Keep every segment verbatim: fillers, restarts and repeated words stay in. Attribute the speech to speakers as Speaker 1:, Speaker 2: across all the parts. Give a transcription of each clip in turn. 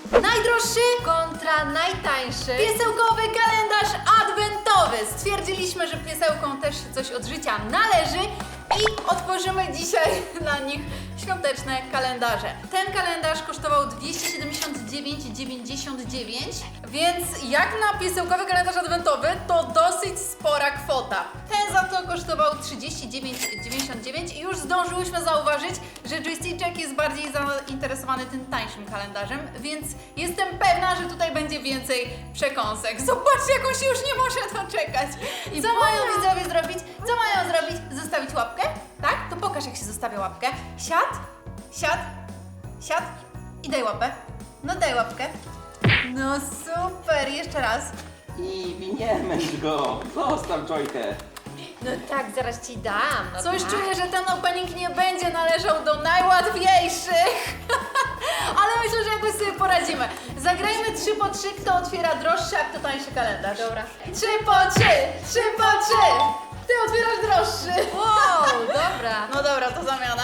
Speaker 1: Najdroższy
Speaker 2: kontra najtańszy
Speaker 1: piesełkowy kalendarz adwentowy. Stwierdziliśmy, że piesełkom też się coś od życia należy i otworzymy dzisiaj dla nich świąteczne kalendarze. Ten kalendarz kosztował dwieście siedemdziesiąt dziewięć dziewięćdziesiąt dziewięć, więc jak na piesełkowy kalendarz adwentowy to dosyć spora kwota. Ten za to kosztował trzydzieści dziewięć dziewięćdziesiąt dziewięć i już zdążyłyśmy zauważyć, że Joysticzek jest bardziej zainteresowany tym tańszym kalendarzem, więc jestem pewna, że tutaj będzie więcej przekąsek. Zobaczcie, jak on się już nie może doczekać. I co mają widzowie zrobić? Co mają zrobić? Zostawić łapkę? Tak? To pokaż, jak się zostawia łapkę. Siad, siad, siad i daj łapę. No daj łapkę. No super, jeszcze raz.
Speaker 3: I nie męcz go! Zostaw Joykę!
Speaker 2: No tak, zaraz ci dam. No
Speaker 1: Coś
Speaker 2: tak.
Speaker 1: czuję, że ten opening nie będzie należał do najłatwiejszych. Ale myślę, że jakoś sobie poradzimy. Zagrajmy trzy po trzy, kto otwiera droższy, a kto tańszy kalendarz.
Speaker 2: Dobra.
Speaker 1: trzy po trzy, trzy po trzy. Ty otwierasz droższy.
Speaker 2: Wow, dobra.
Speaker 1: No dobra, to zamiana.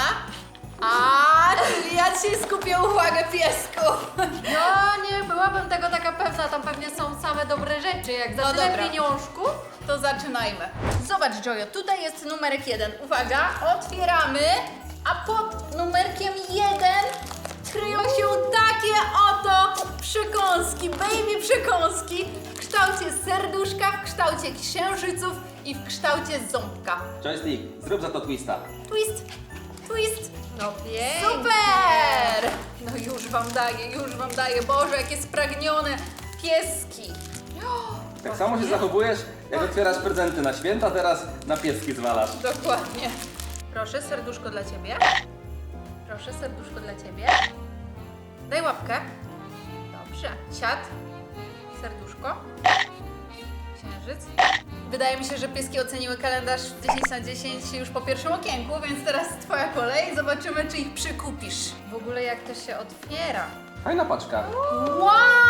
Speaker 1: A, czyli ja ci skupię uwagę, piesku.
Speaker 2: No nie byłabym tego taka pewna, tam pewnie są same dobre rzeczy, jak za
Speaker 1: No
Speaker 2: tyle
Speaker 1: dobra.
Speaker 2: pieniążków.
Speaker 1: To zaczynajmy. Zobacz, Jojo, tutaj jest numerek jeden. Uwaga, otwieramy, a pod numerkiem jeden kryją się takie oto przekąski, baby przekąski w kształcie serduszka, w kształcie księżyców i w kształcie ząbka.
Speaker 3: Joystick, zrób za to twista.
Speaker 1: Twist, twist.
Speaker 2: No pięknie.
Speaker 1: Super! No już wam daję, już wam daję. Boże, jakie spragnione pieski.
Speaker 3: Tak samo się zachowujesz, jak otwierasz prezenty na święta, teraz na pieski zwalasz.
Speaker 1: Dokładnie. Proszę, serduszko dla ciebie. Proszę, serduszko dla ciebie. Daj łapkę. Dobrze. Siad. Serduszko. Księżyc. Wydaje mi się, że pieski oceniły kalendarz dziesięć na dziesięć już po pierwszym okienku, więc teraz twoja kolej. Zobaczymy, czy ich przykupisz.
Speaker 2: W ogóle jak to się otwiera.
Speaker 3: Fajna paczka.
Speaker 1: Wow!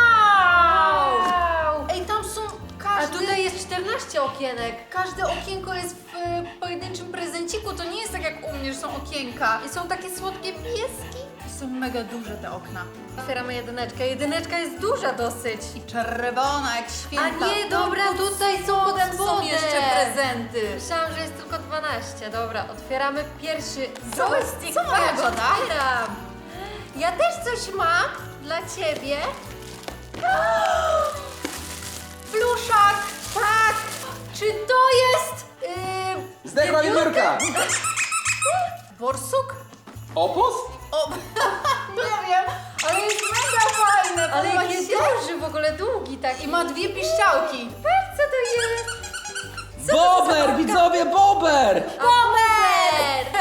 Speaker 2: Wow.
Speaker 1: Ej, tam są
Speaker 2: A
Speaker 1: każdy...
Speaker 2: tutaj jest czternaście okienek.
Speaker 1: Każde okienko jest w e, pojedynczym prezenciku. To nie jest tak jak u mnie, że są okienka.
Speaker 2: I są takie słodkie pieski.
Speaker 1: I są mega duże te okna.
Speaker 2: Otwieramy jedyneczkę. Jedyneczka jest duża dosyć.
Speaker 1: I czerwona jak święta.
Speaker 2: A nie, dobra, tutaj są
Speaker 1: Potem są
Speaker 2: spodem.
Speaker 1: jeszcze prezenty.
Speaker 2: Myślałam, że jest tylko dwanaście. Dobra, otwieramy pierwszy
Speaker 1: Co?
Speaker 2: joystick.
Speaker 1: Co moja
Speaker 2: Patrz,
Speaker 1: goda?
Speaker 2: otwieram. Ja też coś mam dla ciebie.
Speaker 1: Pluszak! Tak! Czy to jest... Yy,
Speaker 3: Zdechła wiewiórka!
Speaker 1: borsuk?
Speaker 3: Opus?
Speaker 1: O, nie wiem, ale jest mega fajne.
Speaker 2: Ale
Speaker 1: podoba
Speaker 2: jaki
Speaker 1: ci się?
Speaker 2: duży, w ogóle długi taki.
Speaker 1: I ma dwie piszczałki.
Speaker 2: Patrz, co to jest?
Speaker 3: Bober, widzowie, bober!
Speaker 2: Bober!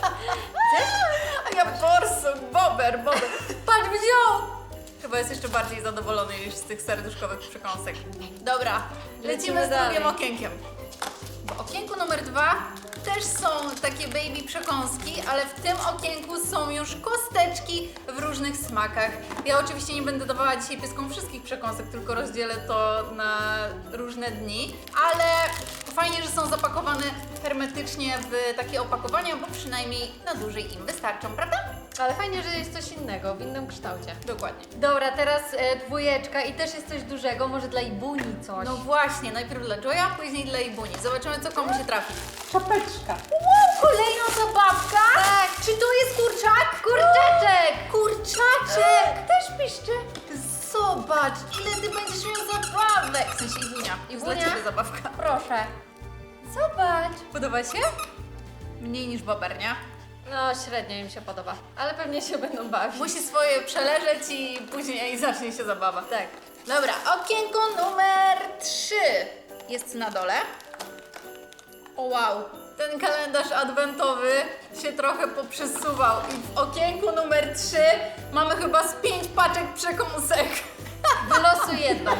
Speaker 1: A ja borsuk, bober, bober. Patrz, wziął! Chyba jest jeszcze bardziej zadowolony niż z tych serduszkowych przekąsek. Dobra, lecimy,
Speaker 2: Lecimy
Speaker 1: z
Speaker 2: dalej.
Speaker 1: drugim okienkiem. W okienku numer dwa też są takie baby przekąski, ale w tym okienku są już kosteczki w różnych smakach. Ja oczywiście nie będę dawała dzisiaj pieskom wszystkich przekąsek, tylko rozdzielę to na różne dni, ale fajnie, że są zapakowane hermetycznie w takie opakowania, bo przynajmniej na dłużej im wystarczą, prawda?
Speaker 2: Ale fajnie, że jest coś innego, w innym kształcie.
Speaker 1: Dokładnie.
Speaker 2: Dobra, teraz e, dwójeczka i też jest coś dużego, może dla Ibuni coś.
Speaker 1: No właśnie, najpierw dla Joya, później dla Ibuni. Zobaczymy, co komu się trafi.
Speaker 3: Czapeczka.
Speaker 1: Wow, kolejna zabawka!
Speaker 2: Tak.
Speaker 1: Czy to jest kurczak?
Speaker 2: Kurczaczek!
Speaker 1: Kurczaczek!
Speaker 2: Też piszczy.
Speaker 1: Zobacz, ile ty będziesz miał zabawek! W sensie Ibunia. I dla
Speaker 2: Ibunia?
Speaker 1: ciebie zabawka.
Speaker 2: Proszę. Zobacz.
Speaker 1: Podoba się? Mniej niż bober, nie?
Speaker 2: No, średnio im się podoba, ale pewnie się będą bawić.
Speaker 1: Musi swoje przeleżeć i później zacznie się zabawa.
Speaker 2: Tak.
Speaker 1: Dobra, okienko numer trzy jest na dole. O wow, ten kalendarz adwentowy się trochę poprzesuwał i w okienku numer trzy mamy chyba z pięć paczek przekąsek.
Speaker 2: Wylosuj jedną.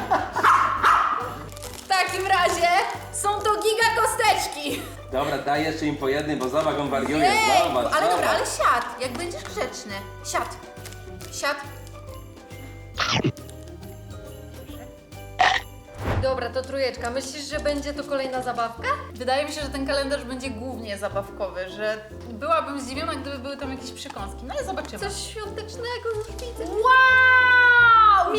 Speaker 1: W takim razie są to giga kosteczki.
Speaker 3: Dobra, daj jeszcze im po jednym, bo zobacz, on wariuje.
Speaker 1: Ej,
Speaker 3: Zobacz,
Speaker 1: ale
Speaker 3: zobacz.
Speaker 1: dobra, ale siad, jak będziesz grzeczny. Siad. Siad.
Speaker 2: Dobra, to trójeczka. Myślisz, że będzie to kolejna zabawka?
Speaker 1: Wydaje mi się, że ten kalendarz będzie głównie zabawkowy, że byłabym zdziwiona, gdyby były tam jakieś przekąski, no ale zobaczymy.
Speaker 2: Coś świątecznego już widzę.
Speaker 1: Wow!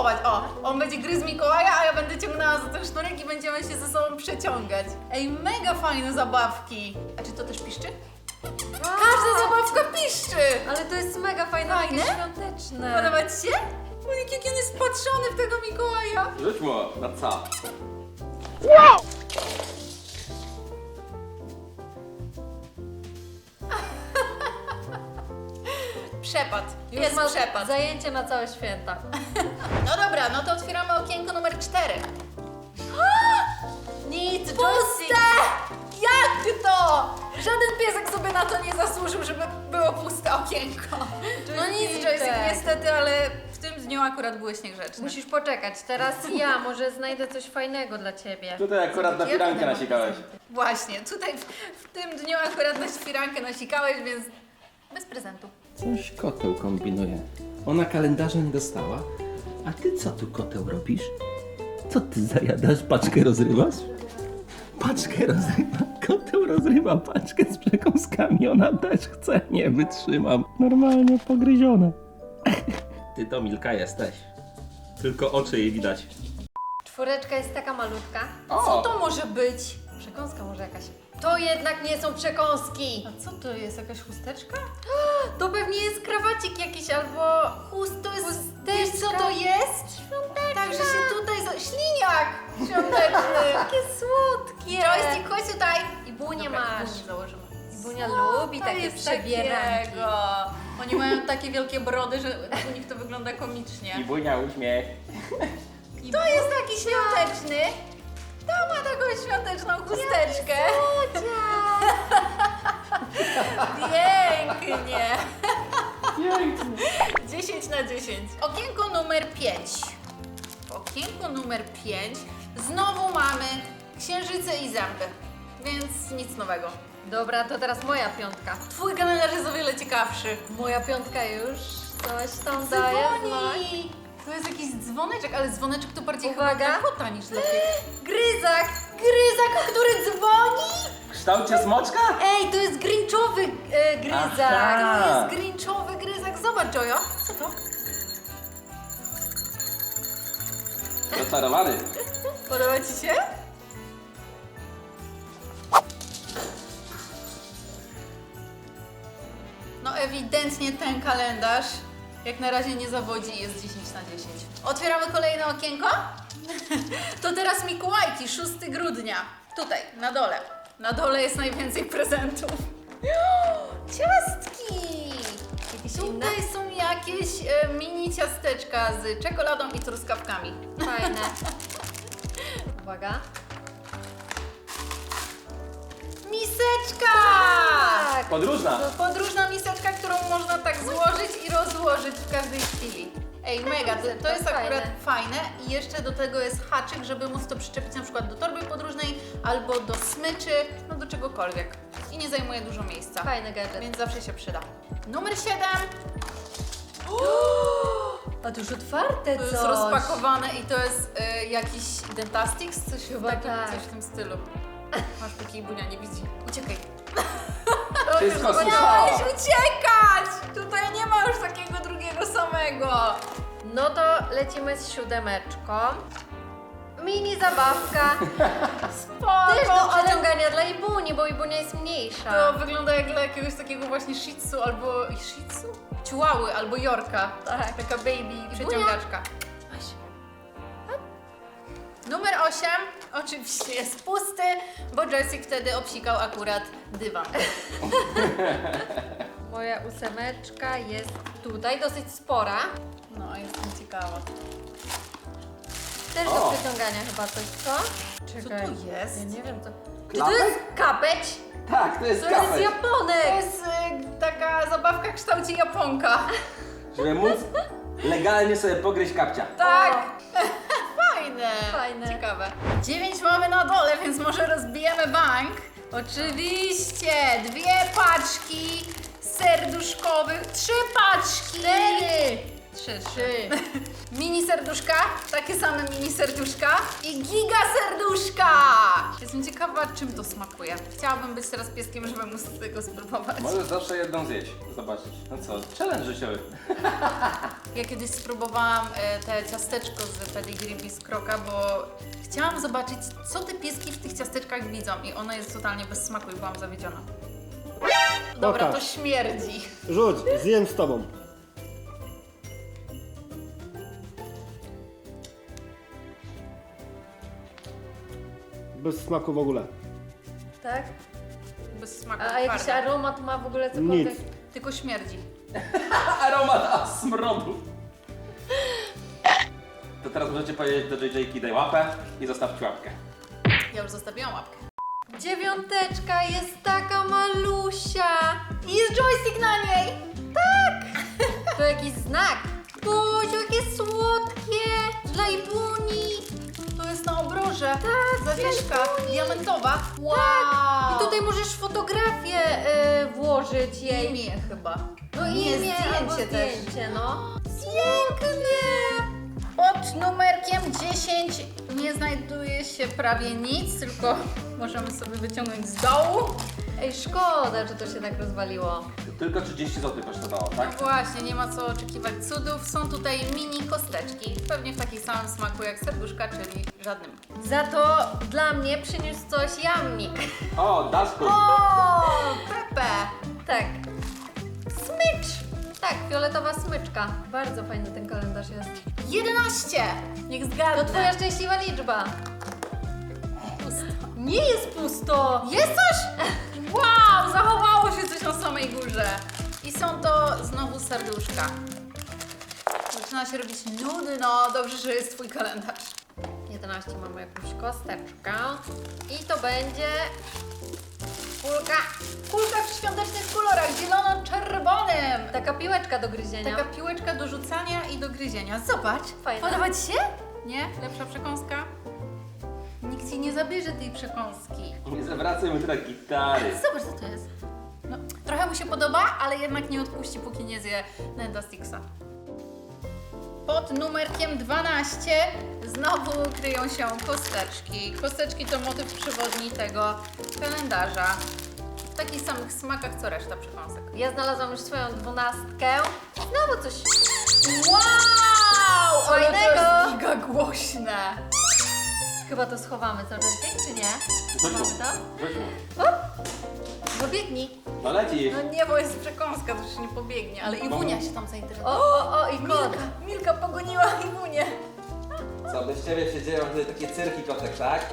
Speaker 1: połować. O, on będzie gryzł Mikołaja, a ja będę ciągnęła za ten sznurek i będziemy się ze sobą przeciągać. Ej, mega fajne zabawki. A czy to też piszczy? Każda zabawka piszczy!
Speaker 2: Ale to jest mega fajne,
Speaker 1: Fajne?
Speaker 2: takie świąteczne.
Speaker 1: Podoba ci się? Monik, jaki on jest wpatrzony w tego Mikołaja.
Speaker 3: Rzuć mu na co?
Speaker 1: Przepad.
Speaker 2: Już
Speaker 1: Jest
Speaker 2: ma
Speaker 1: przepad.
Speaker 2: zajęcie na całe święta.
Speaker 1: No dobra, no to otwieramy okienko numer cztery. Nic,
Speaker 2: Puste!
Speaker 1: Jak to? Żaden piesek sobie na to nie zasłużył, żeby było puste okienko. No nic,
Speaker 2: Joystick.
Speaker 1: Joystick, niestety, ale w tym dniu akurat byłeś niegrzeczny.
Speaker 2: Musisz poczekać, teraz ja może znajdę coś fajnego dla ciebie.
Speaker 3: Tutaj akurat na
Speaker 1: Ja
Speaker 3: firankę
Speaker 1: będę
Speaker 3: nasikałeś.
Speaker 1: Właśnie, tutaj w, w tym dniu akurat na świrankę nasikałeś, więc bez prezentu.
Speaker 4: Coś koteł kombinuje. Ona kalendarza nie dostała. A ty co tu koteł robisz? Co ty zajadasz? Paczkę rozrywasz? Paczkę rozrywa. Koteł rozrywa paczkę z przekąskami. Ona też chce. Nie wytrzymam. Normalnie pogryzione. Ty to Milka jesteś. Tylko oczy jej widać.
Speaker 2: Czwóreczka jest taka malutka.
Speaker 1: Co
Speaker 3: O!
Speaker 1: to może być?
Speaker 2: Przekąska może jakaś. To jednak nie są przekąski.
Speaker 1: A co to jest? Jakaś chusteczka?
Speaker 2: To pewnie jest krawacik jakiś albo...
Speaker 1: Chust, to jest...
Speaker 2: Chusteczka.
Speaker 1: Wiesz co to jest?
Speaker 2: Świąteczna.
Speaker 1: Także się tutaj... Za... Śliniak świąteczny.
Speaker 2: Takie słodkie.
Speaker 1: Joystick, chodź tutaj.
Speaker 2: I bunię
Speaker 1: Dobra,
Speaker 2: masz.
Speaker 1: bunię założymy.
Speaker 2: I Bunia
Speaker 1: Co
Speaker 2: lubi
Speaker 1: to
Speaker 2: takie
Speaker 1: jest
Speaker 2: przebieranki.
Speaker 1: takiego? Oni mają takie wielkie brody, że u nich to wygląda komicznie.
Speaker 3: I bunia uśmiech.
Speaker 1: To jest taki świąteczny. To ma taką świąteczną chusteczkę. Pięknie. dziesięć na dziesięć. Okienko numer pięć. W okienku numer pięć znowu mamy księżyce i zęby. Więc nic nowego.
Speaker 2: Dobra, to teraz moja piątka.
Speaker 1: Twój kalendarz jest o wiele ciekawszy.
Speaker 2: Moja piątka już coś tam daje znać.
Speaker 1: Dzwoni! To jest jakiś dzwoneczek, ale dzwoneczek to bardziej
Speaker 2: Uwaga.
Speaker 1: chyba kota niż lepiej.
Speaker 2: Gryzak!
Speaker 1: Gryzak, który dzwoni?
Speaker 3: W kształcie smoczka?
Speaker 2: Ej, to jest grinchowy e, gryzak!
Speaker 3: Aha.
Speaker 1: To jest grinchowy gryzak. Zobacz, Jojo. Co to?
Speaker 3: Zaczarowany.
Speaker 1: Podoba ci się? No ewidentnie ten kalendarz jak na razie nie zawodzi i jest dziesięć na dziesięć. Otwieramy kolejne okienko. To teraz Mikołajki, szóstego grudnia. Tutaj, na dole. Na dole jest najwięcej prezentów. Ciastki!
Speaker 2: Jakieś inne?
Speaker 1: Tutaj są jakieś e, mini ciasteczka z czekoladą i truskawkami.
Speaker 2: Fajne. Uwaga.
Speaker 1: Miseczka!
Speaker 2: Tak!
Speaker 3: Podróżna.
Speaker 1: To podróżna miseczka, którą można tak złożyć i rozłożyć w każdej chwili. Ej, mega, to, to jest
Speaker 2: Fajne.
Speaker 1: akurat fajne i jeszcze do tego jest haczyk, żeby móc to przyczepić na przykład do torby podróżnej albo do smyczy, no do czegokolwiek. I nie zajmuje dużo miejsca,
Speaker 2: Fajny gadżet.
Speaker 1: więc zawsze się przyda. Numer siedem.
Speaker 2: A to już otwarte
Speaker 1: To jest
Speaker 2: coś.
Speaker 1: rozpakowane i to jest y, jakiś Dentastix, coś,
Speaker 2: Chyba
Speaker 1: takim,
Speaker 2: tak.
Speaker 1: coś w tym stylu. Masz póki Bunia nie widzi. Uciekaj.
Speaker 3: Wszystko
Speaker 1: Miałeś
Speaker 3: słyszała.
Speaker 1: uciekać! Tutaj nie ma już takiego drugiego samego.
Speaker 2: No to lecimy z siódemeczką. Mini zabawka.
Speaker 1: Spoko,
Speaker 2: Też do
Speaker 1: ale
Speaker 2: przeciągania dla Ibuni, bo Ibunia jest mniejsza.
Speaker 1: to wygląda jak dla jakiegoś takiego właśnie shih tzu albo... shih tzu? Chihuahy albo Yorka.
Speaker 2: Tak.
Speaker 1: Taka baby przeciągaczka. Weź. Numer osiem oczywiście jest pusty, bo Joystick wtedy obsikał akurat dywan.
Speaker 2: Moja ósemeczka jest tutaj, dosyć spora.
Speaker 1: No, jestem ciekawa.
Speaker 2: Też
Speaker 3: O.
Speaker 2: do przeciągania chyba coś, co?
Speaker 1: Co to jest?
Speaker 2: Ja nie wiem co. Czy to
Speaker 3: Klapek?
Speaker 2: jest kapeć?
Speaker 3: Tak, to jest
Speaker 2: To jest
Speaker 3: kafel.
Speaker 2: Japonek!
Speaker 1: To jest y, taka zabawka w kształcie Japonka.
Speaker 3: Żeby móc legalnie sobie pogryźć kapcia.
Speaker 1: Tak! Fajne!
Speaker 2: Fajne.
Speaker 1: Ciekawe. dziewięć mamy na dole, więc może rozbijemy bank. Oczywiście! Dwie paczki serduszkowych. Trzy paczki!
Speaker 2: Cztery!
Speaker 1: Trzy, trzy. Mini serduszka, takie same mini serduszka i giga serduszka! Jestem ciekawa, czym to smakuje. Chciałabym być teraz pieskiem, żeby móc tego spróbować.
Speaker 3: Możesz zawsze jedną zjeść. zobaczyć. No co, challenge życiowy.
Speaker 1: Ja kiedyś spróbowałam e, te ciasteczko z pedigree Biskroka, bo chciałam zobaczyć, co te pieski w tych ciasteczkach widzą i ono jest totalnie bez smaku i byłam zawiedziona. Dobra, to
Speaker 5: Pokaż.
Speaker 1: śmierdzi.
Speaker 5: Rzuć, zjem z tobą. Bez smaku w ogóle.
Speaker 2: Tak?
Speaker 1: Bez smaku.
Speaker 2: A jakiś
Speaker 1: twarde.
Speaker 2: aromat ma w ogóle cokolwiek?
Speaker 5: Nic.
Speaker 1: Tylko śmierdzi.
Speaker 3: Aromat a smrodu. To teraz możecie powiedzieć do J J-ki daj łapę i zostawcie łapkę.
Speaker 1: Ja już zostawiłam łapkę.
Speaker 2: Dziewiąteczka jest taka malusia.
Speaker 1: I jest joystick na niej!
Speaker 2: To jakiś znak. Boziu, jakie słodkie.
Speaker 1: Dla Ibuni! To jest na obroże. Tak, zawieszka diamentowa. Wow!
Speaker 2: I tutaj możesz fotografię y, włożyć jej.
Speaker 1: imię chyba.
Speaker 2: No
Speaker 1: Nie,
Speaker 2: imię albo
Speaker 1: zdjęcie też.
Speaker 2: zdjęcie, no.
Speaker 1: Pięknie! Pod numerkiem dziesięć nie znajduje się prawie nic, tylko możemy sobie wyciągnąć z dołu.
Speaker 2: Ej, szkoda, że to się tak rozwaliło.
Speaker 3: Tylko trzydzieści złotych kosztowało,
Speaker 1: No
Speaker 3: tak?
Speaker 1: właśnie, nie ma co oczekiwać cudów. Są tutaj mini kosteczki, pewnie w takim samym smaku jak serduszka, czyli żadnym.
Speaker 2: Za to dla mnie przyniósł coś jamnik.
Speaker 3: O, Dasku!
Speaker 1: O, Pepe!
Speaker 2: Tak. Smycz! Tak, fioletowa smyczka. Bardzo fajny ten kalendarz jest.
Speaker 1: jedenaście! Niech zgadnę.
Speaker 2: To twoja szczęśliwa liczba. Nie jest pusto!
Speaker 1: Jest coś? Wow, zachowało się coś na samej górze. I są to znowu serduszka. Zaczyna się robić nudno. Dobrze, że jest twój kalendarz.
Speaker 2: jedenaście mamy jakąś kosteczkę. I to będzie kulka.
Speaker 1: Kulka w świątecznych kolorach, zielono-czerwonym.
Speaker 2: Taka piłeczka do gryzienia.
Speaker 1: Taka piłeczka do rzucania i do gryzienia. Zobacz.
Speaker 2: Fajna.
Speaker 1: Podoba ci się? Nie? Lepsza przekąska? Nikt ci nie zabierze tej przekąski.
Speaker 3: Nie zawracaj mu teraz gitary.
Speaker 1: Zobacz, co to jest. No, trochę mu się podoba, ale jednak nie odpuści, póki nie zje Nenda Sticksa. Pod numerkiem dwanaście znowu kryją się kosteczki. Kosteczki to motyw przewodni tego kalendarza. W takich samych smakach co reszta przekąsek.
Speaker 2: Ja znalazłam już swoją dwunastkę. Znowu coś.
Speaker 1: Wow! Ale to
Speaker 2: Fajnego!
Speaker 1: jest giga głośne.
Speaker 2: Chyba to schowamy, co Jessica, czy nie?
Speaker 3: Rzuć mu,
Speaker 2: Mamy to?
Speaker 3: rzuć mu.
Speaker 2: No biegnij.
Speaker 3: No leci.
Speaker 1: No nie, bo jest przekąska, to już nie pobiegnie, ale Iwunia się tam zainteresowała.
Speaker 2: O, o, o i kot.
Speaker 1: Milka, Milka pogoniła Iwunię.
Speaker 3: Co, bez ciebie się dzieją tutaj takie cyrki kotek, tak?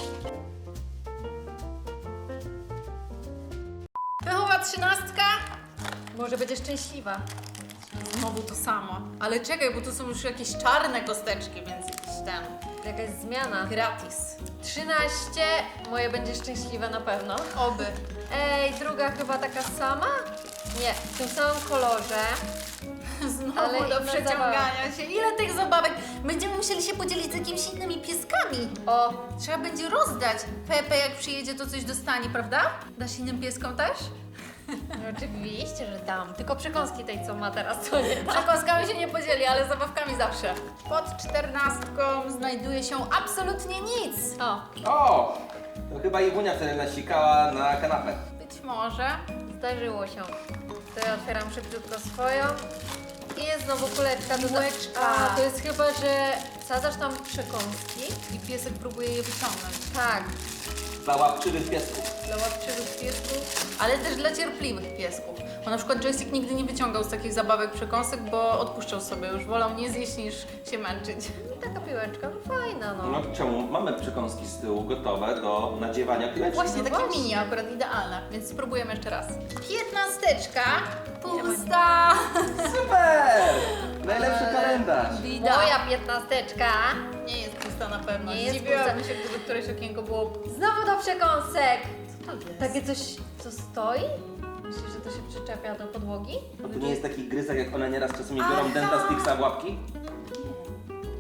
Speaker 1: Pychowa trzynastka.
Speaker 2: Może będzie szczęśliwa.
Speaker 1: Znowu to samo. Ale czekaj, bo tu są już jakieś czarne kosteczki, więc jakiś ten
Speaker 2: Jakaś zmiana.
Speaker 1: gratis.
Speaker 2: trzynaście. Moje będzie szczęśliwe na pewno.
Speaker 1: Oby.
Speaker 2: Ej, druga chyba taka sama? Nie, w tym samym kolorze.
Speaker 1: Znowu
Speaker 2: Ale
Speaker 1: do
Speaker 2: inna
Speaker 1: przeciągania się. Ile tych zabawek? Będziemy musieli się podzielić z jakimiś innymi pieskami.
Speaker 2: O,
Speaker 1: Trzeba będzie rozdać. Pepe jak przyjedzie, to coś dostanie, prawda? Dasz innym pieskom też?
Speaker 2: no oczywiście, że dam. Tylko przekąski tej, co ma teraz, to nie dam.
Speaker 1: Przekąskami się nie podzieli, ale zabawkami zawsze. Pod czternastką znajduje się absolutnie nic.
Speaker 2: O,
Speaker 3: O! To chyba Iwunia wtedy nasikała na kanapę.
Speaker 1: Być może.
Speaker 2: zdarzyło się. To ja otwieram szybciutko swoją. I jest znowu kuleczka. do-
Speaker 1: Piłeczka.
Speaker 2: A, to jest chyba, że sadzasz tam przekąski.
Speaker 1: I piesek próbuje je wyciągnąć.
Speaker 2: Tak.
Speaker 3: Dla łapczywych piesków.
Speaker 1: Dla łapczywych piesków, ale też dla cierpliwych piesków. Bo na przykład Joystick nigdy nie wyciągał z takich zabawek przekąsek, bo odpuszczał sobie już. Wolał nie zjeść niż się męczyć.
Speaker 2: I taka piłeczka, no fajna, no.
Speaker 3: No czemu? Mamy przekąski z tyłu gotowe do nadziewania piłeczki.
Speaker 1: Właśnie,
Speaker 2: No
Speaker 1: takie
Speaker 2: właśnie.
Speaker 1: mini akurat idealne, więc spróbujemy jeszcze raz. Piętnasteczka, pusta.
Speaker 3: Super! Najlepszy kalendarz.
Speaker 1: Bida.
Speaker 2: Moja piętnasteczka.
Speaker 1: Nie jest pusta na pewno.
Speaker 2: Nie jest
Speaker 1: Zdziwiłabym
Speaker 2: pusta.
Speaker 1: się, gdyby któreś okienko było...
Speaker 2: Znowu do przekąsek.
Speaker 1: Co to jest?
Speaker 2: Takie coś, co stoi? Myślisz, że to się przyczepia do podłogi?
Speaker 3: A to nie jest taki gryzak, jak one nieraz czasami biorą
Speaker 1: Aha.
Speaker 3: Denta Sticksa w łapki?
Speaker 2: Nie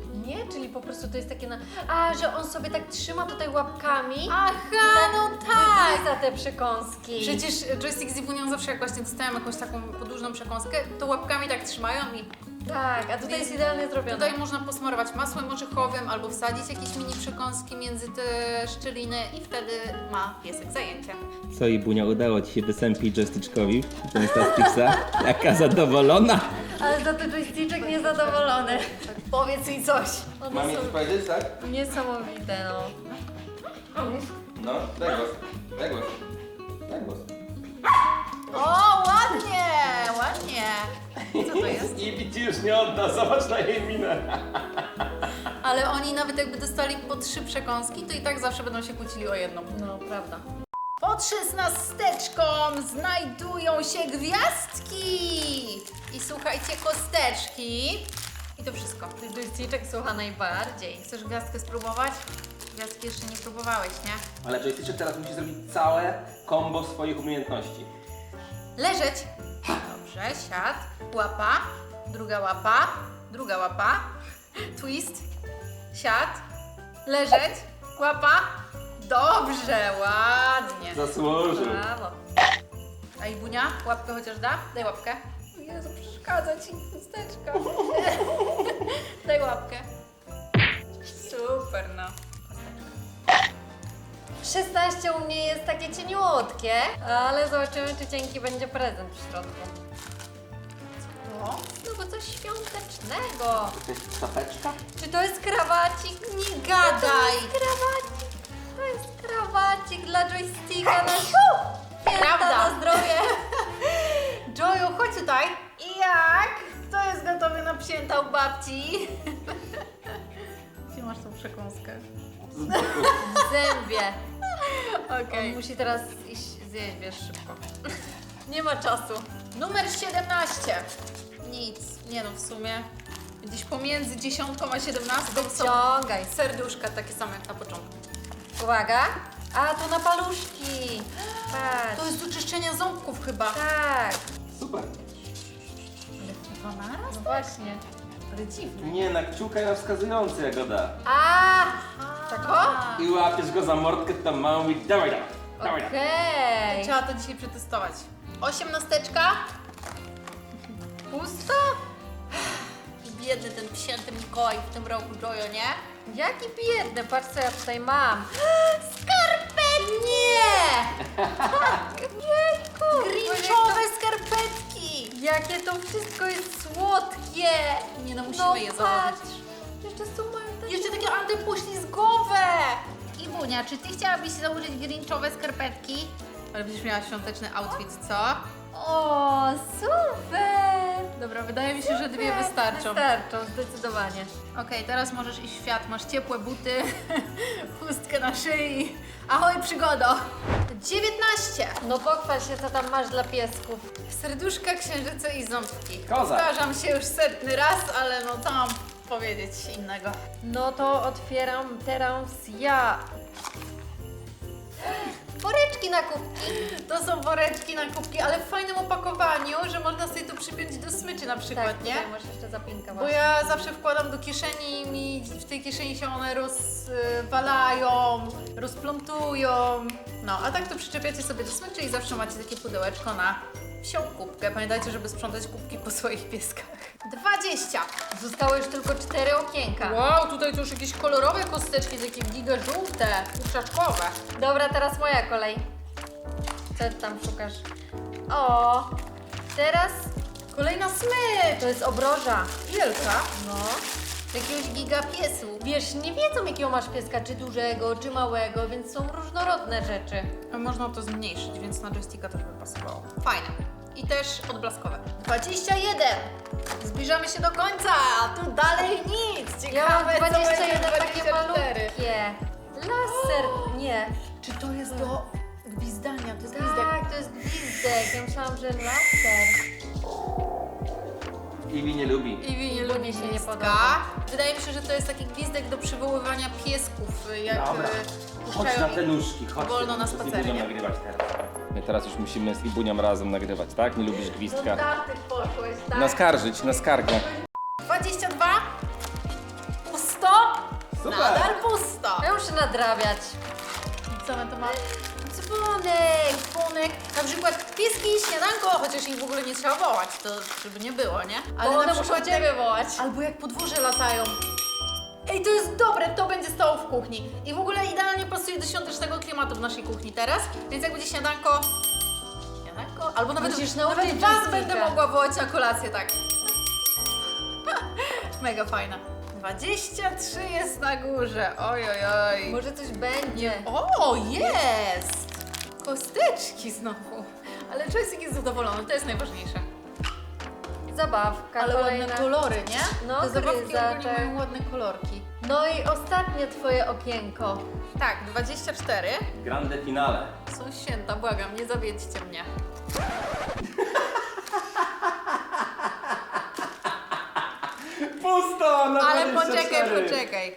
Speaker 2: Nie, czyli po prostu to jest takie na... A, że on sobie tak trzyma tutaj łapkami
Speaker 1: Aha, no tak!
Speaker 2: za te przekąski.
Speaker 1: Przecież joystick z Iwunią zawsze jak właśnie dostają jakąś taką podłużną przekąskę, to łapkami tak trzymają i
Speaker 2: Tak, a tutaj jest idealnie zrobione.
Speaker 1: tutaj można posmarować masłem orzechowym albo wsadzić jakieś mini przekąski między te szczeliny i wtedy ma piesek zajęcie.
Speaker 4: Co i Bunia, udało ci się wysępić joystyczkowi ten Stastixa? Jaka zadowolona!
Speaker 2: Ale za ten joysticzek niezadowolony.
Speaker 1: Powiedz jej coś.
Speaker 2: One
Speaker 3: Mam mi
Speaker 2: są
Speaker 3: coś powiedzieć, tak?
Speaker 2: niesamowite, no.
Speaker 3: No, daj głos. Daj głos. Daj głos.
Speaker 1: O, ładnie, ładnie. Co to jest?
Speaker 3: I widzisz, nie odda, zobacz na jej minę.
Speaker 1: Ale oni nawet jakby dostali po trzy przekąski, to i tak zawsze będą się kłócili o jedną.
Speaker 2: No, prawda.
Speaker 1: Pod szesnasteczką znajdują się gwiazdki. I słuchajcie, kosteczki. I to wszystko.
Speaker 2: Ten joysticzek słucha najbardziej.
Speaker 1: Chcesz gwiazdkę spróbować? Gwiazdki jeszcze nie próbowałeś, nie?
Speaker 3: Ale joystyczek teraz musi zrobić całe kombo swoich umiejętności.
Speaker 1: Leżeć. Dobrze, siad. Łapa. Druga łapa. Druga łapa. Twist. Siad. Leżeć. Łapa. Dobrze, ładnie.
Speaker 3: Zasłużył.
Speaker 2: Brawo.
Speaker 1: A Ibunia, łapkę chociaż da? Daj łapkę. Jezu, przeszkadza ci chusteczka. Daj łapkę. Super, no.
Speaker 2: szesnaście u mnie jest takie cieniutkie, ale zobaczymy, czy cienki będzie prezent w środku.
Speaker 1: O,
Speaker 2: No bo coś świątecznego.
Speaker 3: To jest czapeczka?
Speaker 2: Czy to jest krawacik?
Speaker 1: nie gadaj.
Speaker 2: To jest krawacik. To jest krawacik dla joysticka na
Speaker 1: Prawda.
Speaker 2: Prawda. Na zdrowie.
Speaker 1: Joju, chodź tutaj. I jak? Kto jest gotowy na psięta u babci? Gdzie masz tą przekąskę?
Speaker 2: W zębie.
Speaker 1: Okej.
Speaker 2: On musi teraz iść zjeść, wiesz, szybko. Nie ma czasu.
Speaker 1: Numer siedemnaście. Nic, nie no w sumie. Gdzieś pomiędzy dziesiątką a siedemnastką są
Speaker 2: Wyciągaj.
Speaker 1: serduszka takie same jak na początku.
Speaker 2: Uwaga. A, to na paluszki. Patrz.
Speaker 1: To jest do czyszczenia ząbków chyba.
Speaker 2: Tak.
Speaker 3: Super.
Speaker 1: Ale chyba naraz?
Speaker 2: No właśnie.
Speaker 1: Ale dziwne.
Speaker 3: Nie, na kciuka i na wskazujący Jagoda.
Speaker 2: A, tak o?
Speaker 3: I łapiesz go za mordkę, tam małą i dawaj, dawaj, dawaj. dawaj.
Speaker 2: Okej.
Speaker 1: Trzeba to dzisiaj przetestować. Osiemnasteczka. Pusto? Biedny ten psięty Mikołaj w tym roku, Jojo, nie?
Speaker 2: Jaki biedny, patrz co ja tutaj mam.
Speaker 1: Skarpetki! Nie!
Speaker 2: Jejku,
Speaker 1: Grinchowe skarpetki!
Speaker 2: jakie to wszystko jest słodkie.
Speaker 1: Nie no, musimy
Speaker 2: No
Speaker 1: je
Speaker 2: patrz.
Speaker 1: założyć.
Speaker 2: Jeszcze są moje takie...
Speaker 1: Jeszcze takie antypoślizgowe! Iwunia, czy ty chciałabyś założyć grinchowe skarpetki? Ale będziesz miała świąteczny outfit, co?
Speaker 2: O, super.
Speaker 1: Dobra, wydaje mi się, że dwie wystarczą.
Speaker 2: Wystarczą, zdecydowanie.
Speaker 1: Okej, teraz możesz iść w świat. Masz ciepłe buty, chustkę na szyi. Ahoj, przygodo! dziewiętnaście.
Speaker 2: No pochwal się, co tam masz dla piesków.
Speaker 1: Serduszka, księżyce i ząbki.
Speaker 3: Kozak.
Speaker 1: Powtarzam się już setny raz, ale no co mam powiedzieć innego.
Speaker 2: No to otwieram teraz ja. Woreczki na kubki.
Speaker 1: To są woreczki na kubki, ale w fajnym opakowaniu, że można sobie to przypiąć do smyczy na przykład,
Speaker 2: Tak,
Speaker 1: nie?
Speaker 2: tutaj masz jeszcze zapinkę
Speaker 1: Bo
Speaker 2: właśnie.
Speaker 1: ja zawsze wkładam do kieszeni i mi w tej kieszeni się one rozwalają, rozplątują. No, a tak to przyczepiacie sobie do smyczy i zawsze macie takie pudełeczko na psią kubkę. Pamiętajcie, żeby sprzątać kubki po swoich pieskach. dwadzieścia.
Speaker 2: Zostało już tylko cztery okienka.
Speaker 1: Wow, tutaj to już jakieś kolorowe kosteczki, takie giga żółte, kurczaczkowe.
Speaker 2: Dobra, teraz moja kolej. Co ty tam szukasz? O, teraz
Speaker 1: Kolejna smycz.
Speaker 2: to jest obroża.
Speaker 1: Wielka.
Speaker 2: No.
Speaker 1: Jakiegoś giga piesu.
Speaker 2: Wiesz, nie wiedzą jakiego masz pieska, czy dużego, czy małego, więc są różnorodne rzeczy.
Speaker 1: A można to zmniejszyć, więc na joysticka też by pasowało. Fajne. I też odblaskowe. dwadzieścia jeden. Zbliżamy się do końca. A tu dalej nic.
Speaker 2: Ja
Speaker 1: Ciekawe,
Speaker 2: mam
Speaker 1: co
Speaker 2: dwadzieścia
Speaker 1: będzie
Speaker 2: jeden takie
Speaker 1: dwadzieścia cztery.
Speaker 2: malutkie. Laser, nie.
Speaker 1: Czy to jest do gwizdania? To jest gwizdek.
Speaker 2: Tak, to jest gwizdek. Ja myślałam, że laser.
Speaker 3: Iwi nie lubi.
Speaker 1: Iwi nie
Speaker 2: Iwi
Speaker 1: lubi
Speaker 2: się nie
Speaker 1: gwizdka.
Speaker 2: podoba.
Speaker 1: Wydaje mi się, że to jest taki gwizdek do przywoływania piesków, jak
Speaker 3: Dobra.
Speaker 1: e,
Speaker 3: Chodź
Speaker 1: puszczają
Speaker 3: na
Speaker 1: ich
Speaker 3: te nóżki, chodź.
Speaker 1: wolno na
Speaker 3: Z
Speaker 1: spacernie.
Speaker 3: Ibunią nagrywać teraz. My teraz już musimy z Ibunią razem nagrywać, tak? Nie lubisz
Speaker 2: Do
Speaker 3: gwizdka.
Speaker 2: daty poszłeś, tak?
Speaker 3: Naskarżyć, na skargę.
Speaker 1: dwadzieścia dwa. Pusto.
Speaker 3: Super.
Speaker 1: Nadal pusto.
Speaker 2: Ja muszę nadrabiać.
Speaker 1: Co my tu mamy? Dzwonek, dzwonek. Na przykład pieski i śniadanko, chociaż ich w ogóle nie trzeba wołać, to żeby nie było, nie?
Speaker 2: Bo
Speaker 1: na
Speaker 2: one
Speaker 1: przykład
Speaker 2: muszą ciebie wołać.
Speaker 1: Albo jak podwórze latają. Ej, to jest dobre, to będzie stało w kuchni. I w ogóle idealnie pasuje do świątecznego klimatu w naszej kuchni teraz, więc jak będzie śniadanko... Śniadanko? Albo nawet,
Speaker 2: Musisz nauczyć
Speaker 1: nawet was
Speaker 2: Jessica.
Speaker 1: będę mogła wołać na kolację, tak. Mega fajna. dwadzieścia trzy jest na górze, oj, oj, oj.
Speaker 2: Może coś będzie.
Speaker 1: O, jest! Kosteczki znowu. Ale Czesik jest zadowolony, to jest najważniejsze.
Speaker 2: Zabawka
Speaker 1: Ale
Speaker 2: kolejna.
Speaker 1: ładne kolory, nie?
Speaker 2: No,
Speaker 1: Te zabawki ogólnie
Speaker 2: gryzaczek.
Speaker 1: mają ładne kolorki.
Speaker 2: No i ostatnie twoje okienko.
Speaker 1: Tak, dwadzieścia cztery.
Speaker 3: Grande finale.
Speaker 1: Są święta, błagam, nie zawiedźcie mnie.
Speaker 3: Pusto na
Speaker 1: Ale
Speaker 3: dwadzieścia
Speaker 1: poczekaj,
Speaker 3: cztery.
Speaker 1: poczekaj.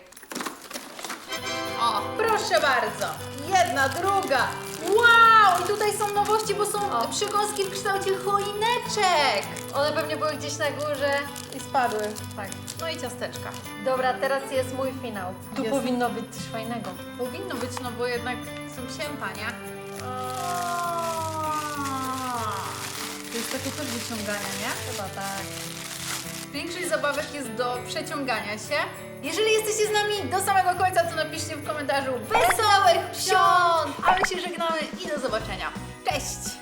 Speaker 1: O, proszę bardzo. Jedna, druga. Wow! I tutaj są nowości, bo są
Speaker 2: O.
Speaker 1: przekąski w kształcie choineczek.
Speaker 2: One pewnie były gdzieś na górze.
Speaker 1: I spadły.
Speaker 2: Tak.
Speaker 1: No i ciasteczka.
Speaker 2: Dobra, teraz jest mój finał. Tu
Speaker 1: Jest.
Speaker 2: powinno być coś fajnego.
Speaker 1: Powinno być, no bo jednak są święta, nie? To jest takie też wyciąganie, nie?
Speaker 2: Chyba tak.
Speaker 1: Większość zabawek jest do przeciągania się. Jeżeli jesteście z nami do samego końca, to napiszcie w komentarzu Wesołych Świąt! A my się żegnamy i do zobaczenia. Cześć!